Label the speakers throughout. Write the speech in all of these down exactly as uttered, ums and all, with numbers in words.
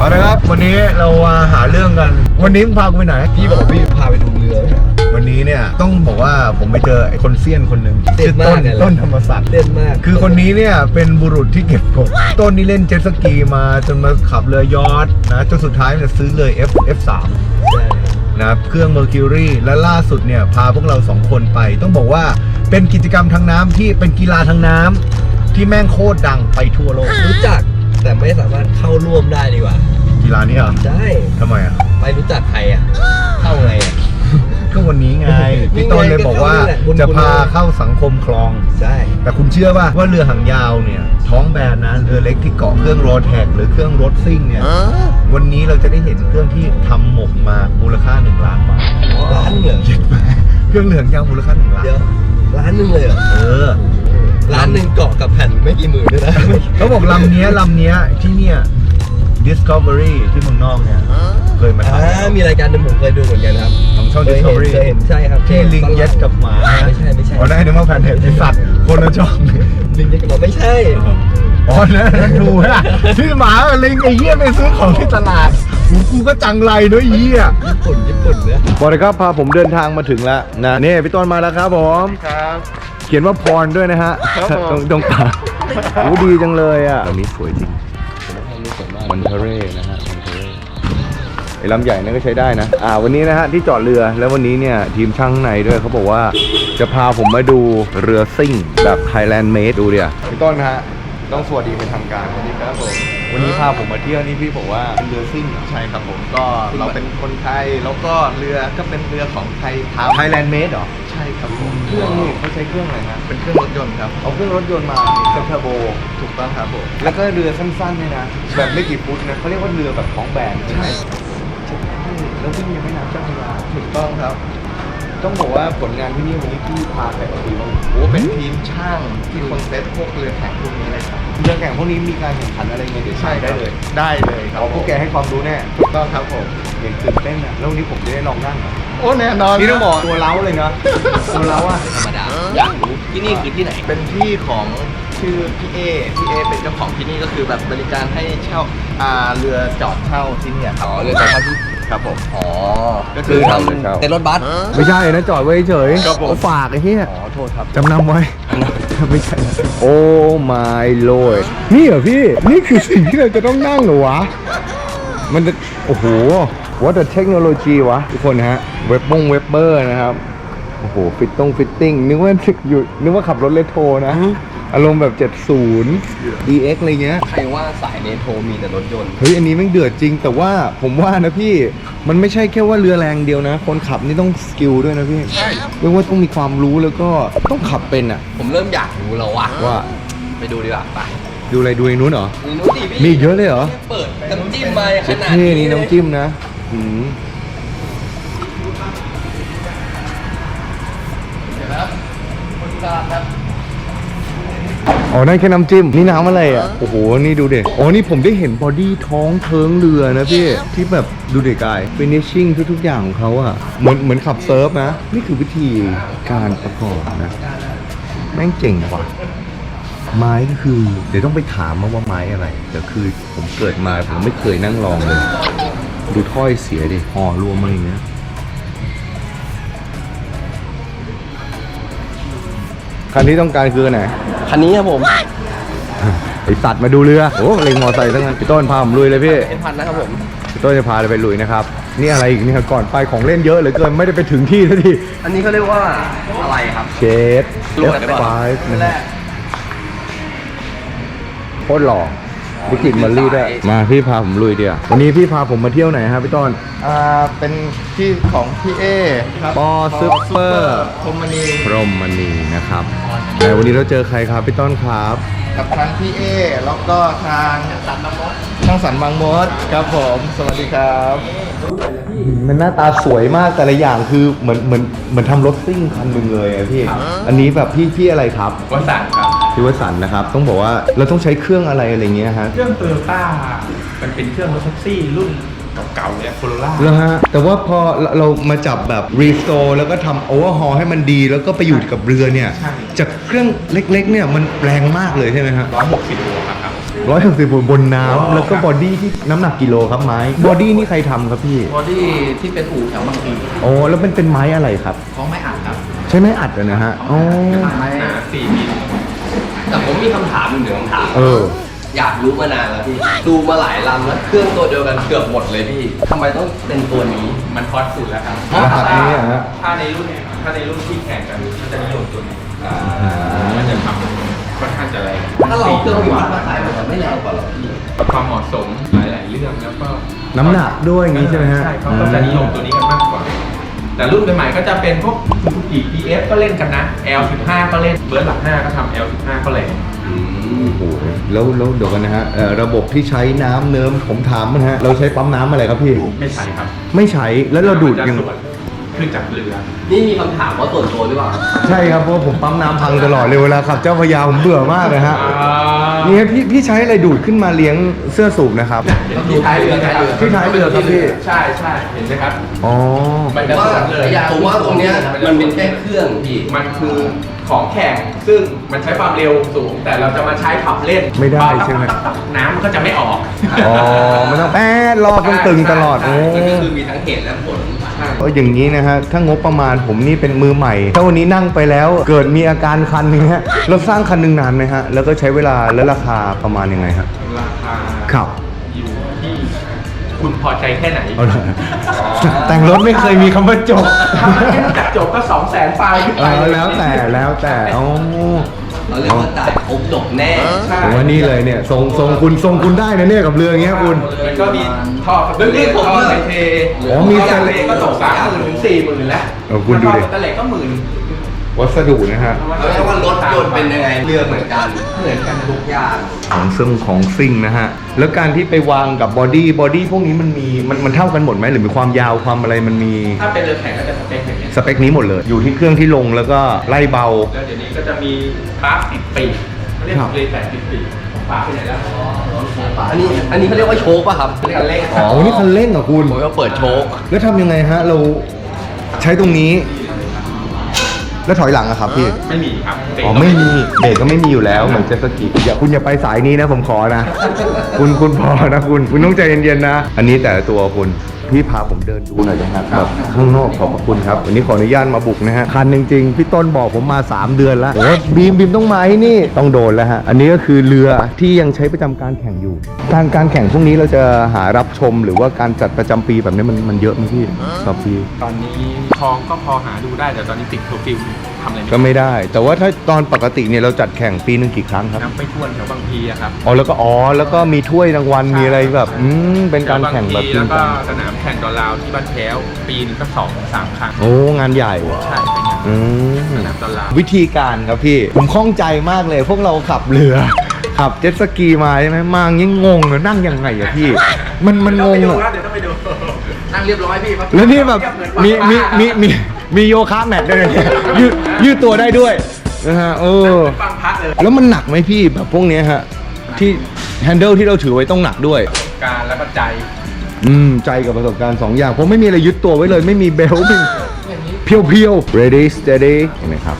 Speaker 1: เอาละครับวันนี้เรามาหาเรื่องกันวันนี้มึงพากูไปไหนพี่บอกพี่พาไปดูเรือวันนี้เนี่ยต้องบอกว่าผมไปเจอไอ้คนเซียนคนหนึ่งชื่อต้นต้นธรรมศักดิ์เด่นมากคือคนนี้เนี่ยเป็นบุรุษที่เก็บกดต้นนี่เล่นเจ็ตสกีมาจนมาขับเรือยอชต์นะจนสุดท้ายเนี่ยซื้อเลย F F3 นะเครื่อง Mercury และล่าสุดเนี่ยพาพวกเราสองคนไปต้องบอกว่าเป็นกิจกรรมทางน้ำที่เป็นกีฬาทางน้ำที่แม่งโคตรดังไปทั่วโลก
Speaker 2: รู้จักแต่ไม่สามารถเข้าร่วมได้ดีกว่า
Speaker 1: กีฬานี้เหรอ
Speaker 2: ใช่
Speaker 1: ทำไมอ่ะ
Speaker 2: ไปรู้จักใครอ่ะเข้าไงอ่ะ
Speaker 1: ก็วันนี้ไงพี่ต้นเลยบอกว่าจะพาเข้าสังคมคลอง
Speaker 2: ใช่
Speaker 1: แต่คุณเชื่อป่ะว่าเรือหางยาวเนี่ยท้องแบนนะเรือเล็กที่เกาะเครื่องโรแท็กหรือเครื่องรถซิ่งเนี่ยวันนี้เราจะได้เห็นเครื่องที่ทำหมกมามูลค่าหนึ่งล้านบาท
Speaker 2: ล้านเหรอ
Speaker 1: เครื่องเรือหางยาวมูลค่าหนึ่งล้าน
Speaker 2: เดี๋ยวล้านหนึ่งเลยเหรอ
Speaker 1: เออ
Speaker 2: ล้านหนึ่งเกาะกับแผ่นไม่กี่หมื่นด้วยนะ
Speaker 1: เขาบอกลำนี้ลำนี้ที่เนี่ย Discovery ที่เมืองนอกเนี่ยเคยมาถ่าย
Speaker 2: มีรายการหนึ่งผมเคยดูเหมือนกันครับ
Speaker 1: ของช่อง Discovery
Speaker 2: เคยเห็นใช่ครับ
Speaker 1: ที่ลิงเย็ดกับหมา
Speaker 2: ไม่ใช่ไม่ใช่
Speaker 1: อ๋อได้นึกว่าแผ่นเทปที่สัตว์คนละช่อง
Speaker 2: ลิงเย็ดกับหมาไม่ใช่
Speaker 1: อ๋อนั่นดูฮะที่หมาลิงไอ้เหี้ยไปซื้อของที่ตลาดกูกูก็จังไรด้วยเหี้ย
Speaker 2: ญี่ปุ่นญี่ปุ่นเนี่ย
Speaker 1: บอกเลยครับพาผมเดินทางมาถึงแล้วนะนี่พี่ต้นมาแล้วครับผม
Speaker 3: ครับ
Speaker 1: เขียนว่าพรด้วยนะฮะตรงตรงตาโอ้ดีจังเลยอ่ะตรงนี้สวยจริงมันเทเร่นะฮะมันเทเร่ไอ้ลำใหญ่นั่นก็ใช้ได้นะอ่าวันนี้นะฮะที่จอดเรือแล้ววันนี้เนี่ยทีมช่างในด้วยเขาบอกว่าจะพาผมมาดูเรือซิ่งแบบ Thailand Made ดูเดียวพี่ต้นฮะต้องสวัสดีเป็นทางการสวัสดีครับผมวันนี้พาผมมาเที่ยวนี่พี่บอกว่าเป็นเรือซิ่ง
Speaker 3: ใช่ครับผมก็เราเป็นคนไทยแล้วก็เรือก็เป็นเรือของไทยทำ
Speaker 1: Thailand Made เหรอ
Speaker 3: ใช่ครับผม
Speaker 1: เครื่องนี่เขาใช้เครื่องอะไรนะ
Speaker 3: เป็นเครื่องรถยนต์ครับ
Speaker 1: เอาเครื่องรถยนต์มาเป็นเทอร์โบ
Speaker 3: ถูกต้องครับผม
Speaker 1: แล้วก็เรือสั้นๆเนี่ยนะแบบไม่กี่ฟุตนะเขาเรียกว่าเรือแบบท้องแบน
Speaker 3: ใช่
Speaker 1: แล้ววิ่งยังไม่น้ำเจ้าพระยา
Speaker 3: ถูกต้องครับ
Speaker 1: ต้องบอกว่าผลงานที่นี่วันนี้พี่พาใครมาดีบ้าง
Speaker 3: โอ้เป็นทีมช่างที่คนเซตพวกเรือแข่งพวกนี้เลยครับ
Speaker 1: เรือแข่งพวกนี้มีการแข่งขันอะไรเงี้ยเดี๋ยวใช่ได้เลย
Speaker 3: ได้เลยครับ
Speaker 1: พวกแกให้ความรู้แน่
Speaker 3: ถูกต้องครับผม
Speaker 1: อย่างตื่นเต้นอ่ะแล้ววันนี้ผมจะได้ลองนั่ง
Speaker 3: โอ้แน่นอน
Speaker 1: นี่ต้องบอกตัวเล้าเลยนะตัวเล้าอ่ะ
Speaker 2: ธรรมดาอยากรู้ที่นี่คือที่ไหน
Speaker 3: เป็นที่ของชื่อพี่เอพี่เอเป็นเจ้าของที่นี่ก็คือแบบบริการให้เช่าอ่าเรือจอดเช่าที่นี่ครับ
Speaker 2: อ๋อเรือจอดเช่าที่
Speaker 3: ครับผม
Speaker 2: อ๋อก็คือทำเต็นท์รถบัส
Speaker 1: ไม่ใช่นะจอดไว้เฉยเขาฝากไอ้เหี้ย
Speaker 3: อ๋อโทษครับ
Speaker 1: จำนำไว้ไม่ใช่โอ้ my lord นี่เหรอพี่นี่คือสิ่งที่เราจะต้องนั่งเหรอวะมันจะโอ้โห what a technology วะทุกคนฮะเว็บบงเว็บเบอร์นะครับโอ้โหฟิตต้องฟิตติ้งนึกว่าอยู่นึกว่าขับรถเลโทนะอารมณ์แบบเจ็ดสิบ ดี เอ็กซ์ อะไรเงี้ย
Speaker 2: ใครว่าสายเนโทมีแต่รถยนต์
Speaker 1: เฮ้ยอันนี้แม่งเดือดจริงแต่ว่าผมว่านะพี่มันไม่ใช่แค่ว่าเรือแรงเดียวนะคนขับนี่ต้องสกิลด้วยนะพี่เรียกว่าต้องมีความรู้แล้วก็ต้องขับเป็นอ่ะ
Speaker 2: ผมเริ่มอยากรู้แล้ววะ
Speaker 1: ว่า
Speaker 2: ไปดูดีกว่าไป
Speaker 1: ดูอะไรดูไอ้นู้นเหรอ
Speaker 2: นู้นดิพี่
Speaker 1: มีเยอะเลยเหรอ
Speaker 2: เปิดน้ำจิ้มมาขนาด
Speaker 1: นี้นี่น้ำจิ้มนะหืม
Speaker 2: เดี๋ยวนะครับคนตลาดครับ
Speaker 1: อ๋อนั่นแค่น้ำจิ้มนี่น้ำอะไรอ่ะโอ้โหนี่ดูเด็กอ๋อนี่ผมได้เห็นบอดี้ท้องเทิงเรือนะพี่ที่แบบดูเด็กกายฟินิชชิ่งทุกๆอย่างของเขาอ่ะเหมือนเหมือนขับเซิร์ฟนะนี่คือวิธีการประกอบนะแม่งเจ๋งว่ะไม้ก็คือเดี๋ยวต้องไปถามมาว่าไม้อะไรแต่คือผมเกิดมาผมไม่เคยนั่งลองเลยดูถ้อยเสียดิห่อรวมมาอย่างเงี้ยคันที่ต้องการคือไหน
Speaker 2: คันนี้ครับผม
Speaker 1: ไอสัตว์มาดูเรือโอ้เล็งมอไซค์ทั้งนั้นพี่ต้นพาผมลุยเลยพี่
Speaker 2: เอ็นพันนะครับผม
Speaker 1: พี่ต้นจะพาไปลุยนะครับนี่อะไรอีกนี่ครับก่อนไปของเล่นเยอะเหลือเกินไม่ได้ไปถึงที่สักที
Speaker 2: อันนี้เขาเรียกว่าอะไรครับ
Speaker 1: เชด เอฟ ไฟว์ นะโคตรหล่อวิกิตมาลี่ด้วยมาพี่พาผมลุยเดียววันนี้พี่พาผมมาเที่ยวไหนครับพี่ต้น
Speaker 3: อ่าเป็นที่ของพี่เอครับ
Speaker 1: ปอซุปเปอร์
Speaker 3: พรหมณี
Speaker 1: พรหมณีนะครับแต่วันนี้เราเจอใครครับพี่ต้นครับ
Speaker 3: กับทางพี่เอแล้วก็ทางสันบางมดทางสันบางมดครับผมสวัสดีครับ
Speaker 1: มันหน้าตาสวยมากแต่ละอย่างคือเหมือนเหมือนเหมือนทำรถซิ่งคันหนึ่งเลยอะพี่อันนี้แบบพี่พี่อะไรครับ
Speaker 3: วสันต์ครับ
Speaker 1: พี่วสันต์นะครับต้องบอกว่าเราต้องใช้เครื่องอะไรอะไรเงี้ยฮะ
Speaker 3: เครื่องโตโยต้ามันเป็นเครื่องรถแท็กซี่รุ่นเก่าๆเลยโคโรล่า
Speaker 1: แล้วฮะแต่ว่าพอเรามาจับแบบรีสโตร์แล้วก็ทำโอเวอร์ฮอลให้มันดีแล้วก็ไปอยู่กับเรือเนี่ยจากเครื่องเล็กๆเนี่ยมันแรงมากเลยใช่ไหมฮะ
Speaker 3: ร้อยหกสิบโลครับ
Speaker 1: โร้อยหกสิบบนน้ำแล้วก็บอดี้ที่น้ำหนักกิโลครับไม้บอดี้นี่ใครทำครับพี่
Speaker 2: บอดี้ที่เป็นอู่แถวบางพี
Speaker 1: โอ้แล้วเป็นเป็นไม้อะไรครับ
Speaker 2: เขาไม่อัดครับ
Speaker 1: ใช่ไม้อัดอะนะฮะอ๋อ
Speaker 2: ไม้สี่มิลแต่ผมมีคำถามหนึ่งคำถาม
Speaker 1: เออ
Speaker 2: อยากรู้มานานแล้วพี่ ดูมาหลายลำแล้วเครื่องตัวเดียวกันเกือบหมดเลยพี่ทำไมต้องเป็นตัวนี้
Speaker 4: มันฮอตสุดแล้วครับ
Speaker 1: รหัสนี้อะฮะ
Speaker 4: ถ้าในรุ่นถ้าในรุ่นที่แข่งกันก็จะนิยมตัวนี้มันจะทำค่อนข้างจะแรง
Speaker 2: ถ้าเราเครื่องวัดมาใส่มันจะไม่แรงกว่าหรอพี่
Speaker 4: ความเหมาะสมหลาย ๆ เรื่องแล้วก็
Speaker 1: น้ำหนักด้วยอย่างนี้ใช่ไหมฮะ
Speaker 4: ใช่เขาก็จะนิยมตัวนี้กันมากกว่า แต่รุ่นใหม่ๆก็จะเป็นพวก Suzuki พี เอฟ ก็เล่นกันนะ แอล สิบห้า ก็เล่นเบิร์ดหลักห้าก็ทำ แอล สิบห้า ก็แรง
Speaker 1: โอ้โหแล้วแล้วเดี๋ยวกันนะฮะเอ่อระบบที่ใช้น้ำเนิ้มผมถามมันฮะเราใช้ปั๊มน้ำอะไรครับพี่
Speaker 4: ไม่ใช่ครับ
Speaker 1: ไม่ใช้แล้วเราดูดยัง
Speaker 4: มันจะส่วนขึ้นจากเรือ
Speaker 2: นี่มีคำถามว่าส่วนตัวหรือเปล่า
Speaker 1: ใช่ครับเพราะผมปั๊มน้ำพังตลอดเลยเวลาขับเจ้าพระยาผมเบื่อมากเลยฮะนี่พี่พี่ใช้อะไรดูดขึ้นมาเลี้ยงเสื้อสูบนะครับ
Speaker 4: เห็นที่ท้ายเรือไหมครับ
Speaker 1: ที่ท้ายเรือครับพี่
Speaker 4: ใช่ใช่เห็นไหมครับ
Speaker 1: อ๋อ
Speaker 4: มันจะ
Speaker 2: ว่า
Speaker 4: สวนเลย
Speaker 2: ผมว่าตรงเนี้ยมันเป็นแค่เครื่องพี่
Speaker 4: มันคือของแข่งซึ่งมันใช้ความเร็วสูง แต่เราจะมาใช้ขับเล่น
Speaker 1: ไม่ได้ใช่ไหม
Speaker 4: น้ำมันก็จะไม่ออก
Speaker 1: อ๋อมันต้องแป๊ดรอต้องตึงตลอดโอ้
Speaker 2: มันก็คือมีทั้งเหตุและผล
Speaker 1: เอออย่างนี้นะฮะถ้างบประมาณผมนี่เป็นมือใหม่ถ้าวันนี้นั่งไปแล้วเกิดมีอาการคันอย่างเงี้ยเราสร้างคันหนึ่งนานไหมฮะแล้วก็ใช้เวลาและราคาประมาณยังไงฮะ
Speaker 4: ราคา
Speaker 1: ครับ
Speaker 4: อยู่ที่คุณพอใจแค่ไหน
Speaker 1: เอาเลยแต่งรถไม่เคยมีคำว่าจบ
Speaker 4: ถ้ามันแค่จัดจบก็สองแสนปลายขึ้น
Speaker 1: เอ
Speaker 4: ไป
Speaker 1: อแล้วแต่แล้วแต่อ๋อ
Speaker 2: เราเรียกว่าจ่ายครบจบแน่
Speaker 4: ใช่
Speaker 1: ผมว่านี่เลยเนี่ยทรงทรงคุณทรงคุณได้นะเนี่ยกับเรืออย่างเงี้ยคุณ
Speaker 4: มันก็มีท่อสเปรย์ท่อไซเท
Speaker 1: อ๋อมี
Speaker 4: ท่
Speaker 1: ส
Speaker 4: อ
Speaker 1: เป
Speaker 4: เท
Speaker 1: รย์
Speaker 4: ก็ตกสามหมื่นถึงสี่หมื่นแล้ว
Speaker 1: เออคุณดูดิ
Speaker 4: ท่อสเปรย์ก็หมื่น
Speaker 1: วัสดุนะฮะ
Speaker 2: เราเรียกว่ารถยนต์เป็นยังไงเรือเหมือนกันเหมือนกันทุกอย่าง
Speaker 1: ของซึ่งของซิ่งนะฮะแล้วการที่ไปวางกับบอดี้บอดี้พวกนี้มันมีมันมันเท่ากันหมดไหมหรือมีความยาวความอะไรมันมี
Speaker 4: ถ้าเป็นเรือแข่งก็จะสเปคอย่างเงี้ย
Speaker 1: สเปคนี้หมดเลย อยู่ที่เครื่องที่ลงแล้วก็ไล่เบา
Speaker 4: แล้วเดี๋ยวนี้ก็จะมีคราฟติดปีกเขาเรียก
Speaker 1: ครับ
Speaker 4: เรือแปดติดปีกของฝาไปไหนแล้ว
Speaker 2: อันนี้อันนี้เขาเรียกว่าโชคป่ะครับ
Speaker 4: เรียกกันเล่น
Speaker 1: อ๋อนี่คันเร่งเหรอคุณ
Speaker 2: ผมก็เปิดโชค
Speaker 1: แล้วทำยังไงฮะ เราใช้ตรงนี้ แล้วถอยหลังอะครับพี่
Speaker 4: ไม่มีครับเบรก
Speaker 1: อ๋อไม่มีเบรกก็ไม่มีอยู่แล้วเหมือนเจ็ตสกีอย่าคุณอย่าไปสายนี้นะผมขอนะ คุณคุณพอนะคุณคุณต้องใจเย็นๆนะ อันนี้แต่ละตัวคุณพี่พาผมเดินดูหน่อยนะครับแบบข้างนอกขอบพระคุณครับวันนี้ขออนุญาตมาบุกนะฮะคันจริงๆพี่ต้นบอกผมมาสามเดือนแล้วโอ้บีมบีมต้องมาที่นี่ต้องโดนแล้วฮะอันนี้ก็คือเรือที่ยังใช้ประจำการแข่งอยู่ การการแข่งพวกนี้เราจะหารับชมหรือว่าการจัดประจำปีแบบนี้มันมันเยอะไหมพี่ต่อปี
Speaker 4: ตอนนี้ทองก็พอหาดูได้แต่ตอนนี้ติดเคอร์ฟิวทำอะไร
Speaker 1: ก็
Speaker 4: ไม่ได้
Speaker 1: ไม่ได้ แต่ว่าถ้าตอนปกติเนี่ยเราจัดแข่งปีหนึ่งกี่ครั้งครับ
Speaker 4: นับไปทวนแถวบางพีอะครับ
Speaker 1: อ๋อแล้วก็อ๋อแล้วก็มีถ้วยรางวัลมีอะไรแบบอืมเป็นการแข่งแบบจริ
Speaker 4: แล้
Speaker 1: ง
Speaker 4: วก็
Speaker 1: จัง
Speaker 4: สนามแข่งดอลลาวที่บ้านแพ้วปีนึงก็สองสามครั้ง
Speaker 1: โอ้งานใหญ่
Speaker 4: ใช่เป็นอย่าง
Speaker 1: อื
Speaker 4: นั้น
Speaker 1: ม
Speaker 4: สนามดอลลาว
Speaker 1: วิธีการครับพี่ ผมข้องใจมากเลย พวกเราขับเรือ ขับเจ็ตสกีมาใช่ไหมมายังงงเลยนั่งยังไงอะพี่ มันมันงง
Speaker 4: เดี๋ยว
Speaker 1: อะ
Speaker 4: ต้องไปดู
Speaker 2: นั่งเรียบร้อยพี่
Speaker 1: แล้วนี่แบบมีมีมีมีมีโยคะแมทด้วยเนี่ยยืดยืดตัวได้ด้วยนะฮะเออ
Speaker 4: ฟังพักเลย
Speaker 1: แล้วมันหนักไหมพี่แบบพวกเนี้ยฮะที่แฮนเดิลที่เราถือไว้ต้องหนักด้วย
Speaker 4: การแล้วก็ใจ
Speaker 1: อืมใจกับประสบการณ์สองอย่างผมไม่มีอะไรยึดตัวไว้เลยไม่มีเบลต์เป็นเพียวเพียวๆ ready steady เห็นไหมครับ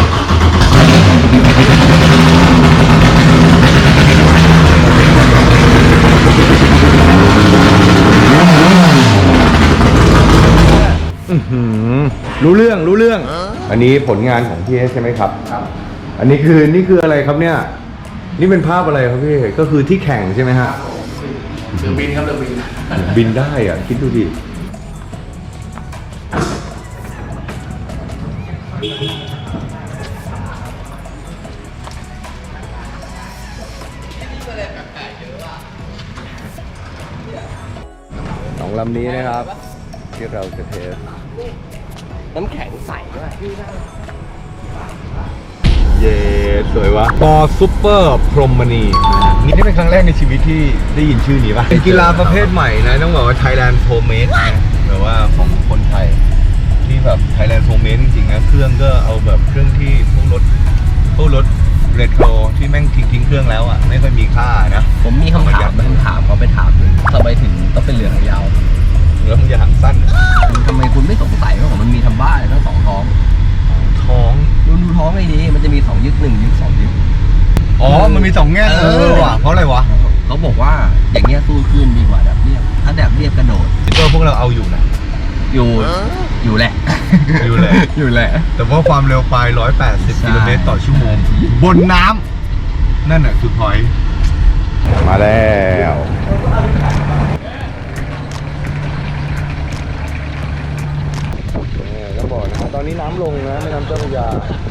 Speaker 1: อื้อหือรู้เรื่องรู้เรื่อง อันนี้ผลงานของพี่เอสใช่ไหมครับครับ อันนี้คือนี่คืออะไรครับเนี่ยนี่เป็นภาพอะไรครับพี่ก็คือที่แข่งใช่ไหมฮะ
Speaker 2: เรือบินครับเรือบิน
Speaker 1: บินได้อ่ะ คิดดูดิ สองลำนี้นะครับ ที่เราจะเทส
Speaker 2: น้ำแข็งใสด้วย
Speaker 1: เย่สวยวะปอซุปเปอร์พรหมณีนี่นี่เป็นครั้งแรกในชีวิตที่ได้ยินชื่อนี้ป่ะ เป็นกีฬาประเภทใหม่นะ ต้องบอกว่า Thailand Homemade นะแบบว่าของคนไทย ที่แบบ Thailand Homemade จริงๆนะ เครื่องก็เอาแบบเครื่องที่พวกรถพวกรถเรโทรที่แม่งทิ้งทิ้งเครื่องแล้วอ่ะ ไม่ค่อยมีค่านะ
Speaker 2: ผมมีคำถามคำถามเขาไปถามเลยทำไมถึงต้องเป็นเรือหางยาว
Speaker 1: แล้วมึงจะหางสั้น
Speaker 2: ทำไมคุณไม่สงสัยว่ามันมีทำบ้าเลยทั้งสองท้อง
Speaker 1: ท้อง
Speaker 2: ดูดูท้องให้ดีมันจะมีสองยึดหนึ่งยึดสองยึด
Speaker 1: ออ๋อมันมีสองแง่เออว่ะเพราะอะไรวะ
Speaker 2: เขาบอกว่าอย่างเงี้ยสู้ขึ้นดีกว่าแบบเรียบถ้าแบบเรียบกระโดด
Speaker 1: เออพวกเราเอาอยู่นะ
Speaker 2: อยู่อยู่แหละ
Speaker 1: อยู่แหละ
Speaker 2: อยู่แหละ
Speaker 1: แต่ว่าความเร็วปลายหนึ่งร้อยแปดสิบ
Speaker 2: ใช่
Speaker 1: กิโลเมตรต่อชั่วโมง บนน้ำนั่นแหละคือพอยต์มาแล้วก็บอกนะตอนนี้น้ำลงนะแม่น้ำเจ้าพระยา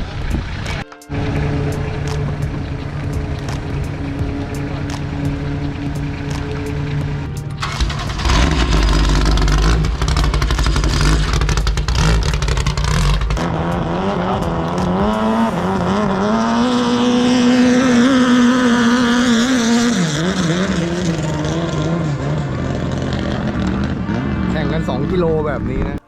Speaker 1: แข่งกันสองกิโลแบบนี้นะ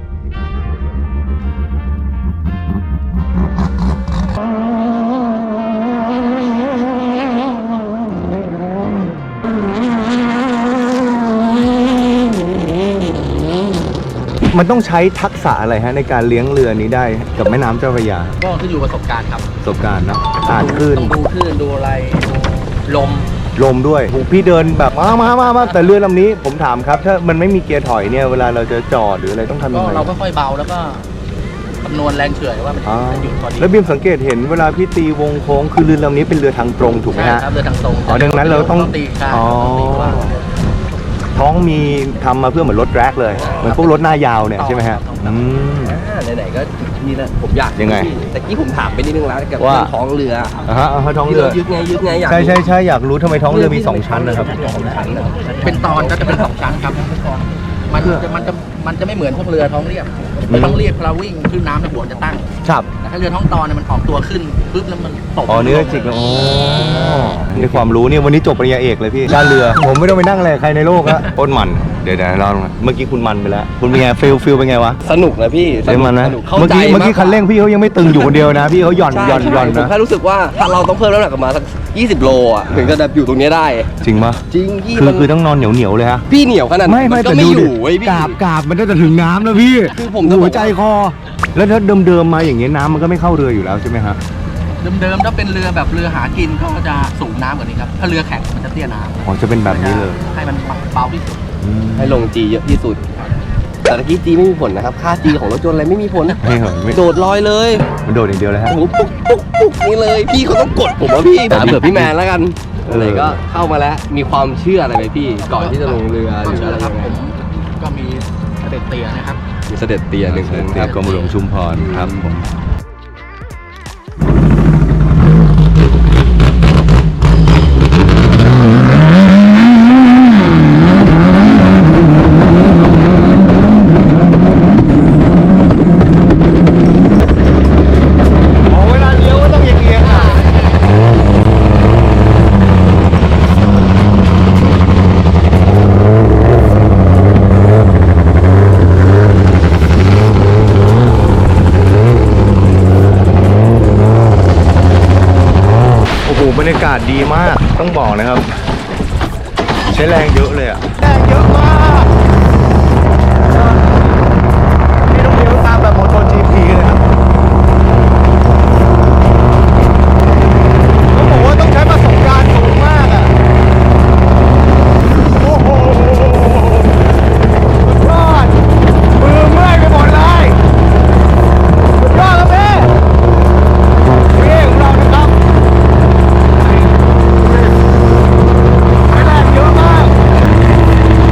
Speaker 1: มันต้องใช้ทักษะอะไรฮะในการเลี้ยงเรือนี้ได้กับแม่น้ำเจ้าพระยา
Speaker 3: ก็ขึ้นอยู่ประสบการณ์ครับ
Speaker 1: ประสบการณ์นะอ่านคลื่น
Speaker 3: ต้องดูคลื่นดูอะไรดูลม
Speaker 1: ลมด้วยผมพี่เดินแบบมามามามาแต่เรือลำนี้ผมถามครับถ้ามันไม่มีเกียร์ถอยเนี่ยเวลาเราจะจอดหรืออะไรต้องทำยั
Speaker 3: ก็
Speaker 1: งไง
Speaker 3: เราก็ค่อยเบาแล้วก็คำนวณแรงเฉื่อยว่ามัน
Speaker 1: อ่า
Speaker 3: จะหยุดพอดี
Speaker 1: แล้วบีมสังเกตเห็นเวลาพี่ตีวงโค้งคือเรือลำนี้เป็นเรือทางตรงถูกไหม
Speaker 3: ใช่
Speaker 1: ฮะ
Speaker 3: ครับเรือทางตรง
Speaker 1: อ๋อดังนั้นเราต้อง
Speaker 3: ตีกลาง
Speaker 1: อ๋อ
Speaker 3: ต้องตีกว้าง
Speaker 1: ท้องมีทำมาเพื่อเหมือนรถแร็กเลยเหมือนพวกรถหน้ายาวเนี่ยใช่ไหมฮะ
Speaker 3: ต้อง
Speaker 1: อืม
Speaker 2: อ่าไหนๆก็นี่นะผมอยาก
Speaker 1: ยังไง
Speaker 2: แต่กี้ผมถามไปนิดนึงแล้วกับ
Speaker 1: ว่า
Speaker 2: เรื่องท้องเรือ
Speaker 1: อ่าฮะอ่าฮะท้อง
Speaker 2: ที่
Speaker 1: เรือ
Speaker 2: เรายึดไงยึดไงอยาก
Speaker 1: ใช่
Speaker 2: รู้
Speaker 1: ใช่ใช่อยากรู้ทำไมท้องเรือมีสองชั้นนะครับ
Speaker 2: สองชั้นนะ
Speaker 3: เป็นตอนก็จะเป็นสองชั้นครับมันจะมันจะมันจะไม่เหมือนพวกเรือท้องเรียบ
Speaker 1: อืม
Speaker 3: ท้องเรียบเราวิ่งขึ้นน้ำในหัวจะตั้ง
Speaker 1: ครับ
Speaker 3: แต่ถ้าเรือท้องตอนเนี่ยมันออกตัวขึ้นปุ๊บแล้วมันตก
Speaker 1: อ๋อเนื้อจิกแล้วอ๋อในความรู้เนี่ยวันนี้จบปริญญาเอกเลยพี่ด้านเรือ ผมไม่ต้องไปนั่งอะไรกับใครในโลกละโคตรมันเดี๋ยวเดี๋ยวเราเมื่อกี้คุณมันไปแล้ว คุณเป็นไงฟิลฟิลเป็นไงวะ
Speaker 2: สนุกนะพี่
Speaker 1: เล่นมันนะ
Speaker 2: สนุกเข้า
Speaker 1: เมื่อ
Speaker 2: ใจ
Speaker 1: กี้เมื่อกี้
Speaker 2: ากกว่า
Speaker 1: คันเร่งพี่เขายังไม่ตึงอยู่คนเดียวนะ พี่เขาหย่อน
Speaker 2: ใช่
Speaker 1: หย่อน
Speaker 2: ใช่
Speaker 1: หย่อน
Speaker 2: ผม
Speaker 1: นะ
Speaker 2: แค่รู้สึกว่าถ้าเราต้องเพิ่มน้ำหนักกันมาสักยี่สิบโลอ่ะถึงจะแบบอยู่ตรงนี้ได้
Speaker 1: จริงปะ
Speaker 2: จริงพี่
Speaker 1: คือ
Speaker 2: มัน
Speaker 1: คือต้องนอนเหนียวเหนียวๆเลยฮะ
Speaker 2: พี่เหนียวขนาด
Speaker 1: ไม่ไม่
Speaker 2: นก็
Speaker 1: แต่
Speaker 2: ไม่
Speaker 1: ดู
Speaker 2: อ
Speaker 1: ดิ
Speaker 2: ยู่เว้ยพี่
Speaker 1: กาบกาบมันจะถึงน้ำแล้วพี่
Speaker 2: คือผมจะบอกว่า
Speaker 1: หัวใจคอ แล้วถ้าเดิมๆมาอย่างเงี้ยน้ำมันก็ไม่เข้าเรืออยู่แล้วใช่ไหมฮะ
Speaker 3: เดิมๆถ้าเป็นเรือแบบเรือหากินก็จะสูงน้ำกว่านี้ครับถ้าเรือแข็งมันจะเตี้ยน้ำ
Speaker 1: อ๋อจะเป็นแบบนี้เลย
Speaker 3: ให้มันเบาที่สุด
Speaker 1: อืม
Speaker 2: ให้ลงจีเยอะที่สุด แต่ตะกี้จีไม่มีผลนะครับ ค่าจีของรถยนต์อะไรไม่มีผล
Speaker 1: ไม่เหรอไม่
Speaker 2: โดดลอยเลย
Speaker 1: มันโดดอย่างเดียวเลยฮะ
Speaker 2: โอ้โหปุ๊กปุ๊กปุ๊กนี่เลย พี่เขาต้องกดผมว่าพี่ถามเผื่อพี่แมนแล้วกัน
Speaker 1: เออ
Speaker 2: ไหนก็เข้ามาแล้ว มีความเชื่ออะไรไหมพี่ ก่อนที่จะลงเรือหรือ
Speaker 3: เชื่
Speaker 2: อะ
Speaker 3: อ
Speaker 2: ไร
Speaker 3: ครับ
Speaker 2: ยังไง
Speaker 3: ผมก็มีเสด็จเตียนะครับ
Speaker 2: มีเสด็จเตียหนึ่งองค์
Speaker 1: เตี
Speaker 2: ค
Speaker 1: ย
Speaker 2: รับ
Speaker 1: กรมหลวงชุมพรครับผมอ๋อเวลาเลี้ยวก็ต้องเอียงๆอ่ะ โอ้โหบรรยากาศดีมากต้องบอกนะครับ ใช้แรงเยอะเลยอะแรงเยอะมากนี่ต้องเลี้ยวตามแบบโมโตจีพีเลยครับต้องบอกว่าต้องใช้ประสบการณ์สูงมากอะโอ้โหสุดยอดมือเมื่อยไปหมดเลยสุดยอดครับพี่พี่ของเรานะครับ ใช้แรงเยอะมาก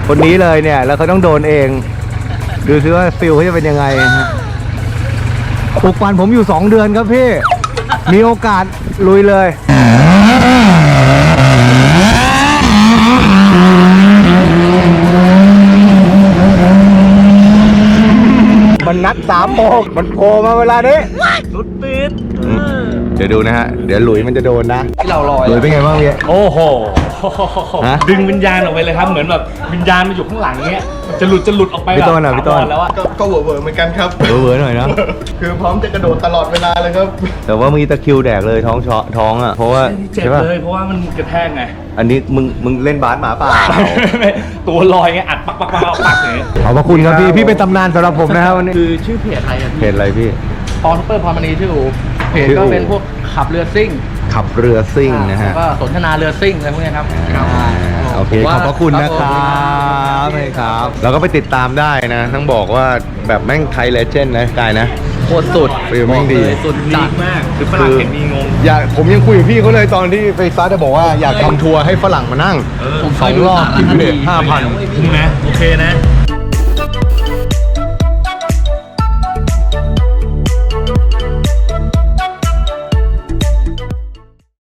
Speaker 1: คนนี้เลยเนี่ย แล้วเขาต้องโดนเอง ดูซิว่าฟิลเขาจะเป็นยังไงฮะปลูกปั่นผมอยู่สองเดือนครับพี่ มีโอกาสลุยเลย มันนัดสามโมงมันโผล่มาเวลานี้รุดปิดเดี๋ยวดูนะฮะ เดี๋ยวหลุยมันจะโดนนะ
Speaker 2: ที่เราลอย
Speaker 1: หลุยเป็นไงบ้างพี่
Speaker 5: โอ้โห
Speaker 1: ฮะ
Speaker 5: ดึงวิญญาณออกไปเลยครับ เหมือนแบบวิญญาณมันอยู่ข้างหลังเงี้ยมันจะหลุดจะหลุดออกไป
Speaker 1: พี่ต้นอ่ะ
Speaker 5: แบบ
Speaker 1: พี่ต้น
Speaker 5: ถาวรแล้วอะ
Speaker 3: ก็ก็เวอร์เวอร์เหมือนกันครับ
Speaker 1: เวอร์ๆหน่อยนะ
Speaker 3: คือพร้อมจะกระโดดตลอดเวลาเลยครับ
Speaker 1: แต่ว่ามีตะคริวแดกเลยท้องชอท้องอ่ะ เพราะว่า
Speaker 5: เจ็บ
Speaker 1: ใช่ป่ะ
Speaker 5: เลยเพราะว่ามันกระแทกไง
Speaker 1: อันนี้มึงมึงเล่นบาสหมาป่า
Speaker 5: ตัวลอยไงอัดปักปักปักปักปักอย่างเงี้ย
Speaker 1: ขอบพระคุณครับพี่พี่เป็นตำนานสำหรับผมนะครับวันนี้
Speaker 3: คือชื่อเพจอะไรอะ
Speaker 1: เพจอะไรพี่
Speaker 3: ปอนเปอร์พรมณีชื่ออูเพจ
Speaker 1: ชื่ออู่
Speaker 3: ก็เป็นพวกขับเรือซิ่ง
Speaker 1: ขับเรือซิ่งนะฮะ
Speaker 3: แล้วก็สนทนาเรือซิ่งอะไรพวกเนี้ยครับ
Speaker 1: อ่าโอเค
Speaker 3: ผมว่า
Speaker 1: ขอบพระคุณนะครับใช่ครับ แล้วก็ไปติดตามได้นะต้องบอกว่าแบบแม่งไทยเลเจนด์นะกายนะ
Speaker 3: โคตรสุด
Speaker 1: ฟิลแม่งดี
Speaker 3: บอกเลยสุด
Speaker 5: ดี
Speaker 3: จัด
Speaker 5: มากคือฝรั่งเห็นมีงง
Speaker 1: อยากผมยังคุยกับพี่เขาเลยตอนที่ไปซัดจะบอกว่าอยากทำทัวร์ให้ฝรั่งมานั่ง
Speaker 5: เออ
Speaker 3: ผม
Speaker 1: สองรอบคิดดูดิห้าพัน
Speaker 5: คุ้มนะโอเคนะ